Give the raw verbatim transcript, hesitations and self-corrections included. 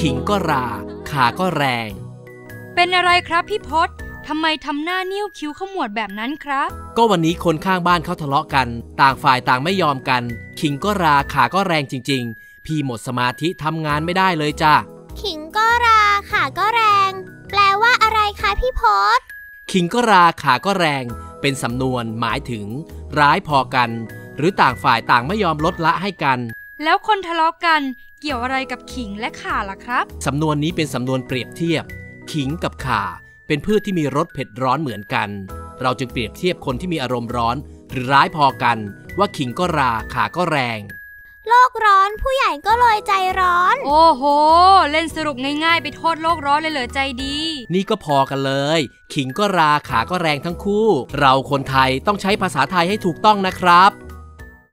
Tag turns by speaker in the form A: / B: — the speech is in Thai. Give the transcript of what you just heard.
A: ขิงก็ราขาก็แรง
B: เป็นอะไรครับพี่พศทำไมทำหน้านิ้วคิ้วขมวดแบบนั้นครับ
A: ก็วันนี้คนข้างบ้านเขาทะเลาะกันต่างฝ่ายต่างไม่ยอมกันขิงก็ราขาก็แรงจริงๆพี่หมดสมาธิทำงานไม่ได้เลยจ้ะ
C: ขิงก็ราขาก็แรงแปลว่าอะไรคะพี่พศ
A: ขิงก็ราขาก็แรงเป็นสำนวนหมายถึงร้ายพอกันหรือต่างฝ่ายต่างไม่ยอมลดละให้กัน
B: แล้วคนทะเลาะกันเกี่ยวอะไรกับขิงและข่าล่ะครับ
A: สำนวนนี้เป็นสำนวนเปรียบเทียบขิงกับข่าเป็นพืชที่มีรสเผ็ดร้อนเหมือนกันเราจึงเปรียบเทียบคนที่มีอารมณ์ร้อนหรือร้ายพอกันว่าขิงก็ราขาก็แรง
C: โลกร้อนผู้ใหญ่ก็เลยใจร้อน
B: โอ้โหเล่นสรุปง่ายๆไปโทษโลกร้อนเลยเหรอใจดี
A: นี่ก็พอกันเลยขิงก็ราขาก็แรงทั้งคู่เราคนไทยต้องใช้ภาษาไทยให้ถูกต้องนะครับ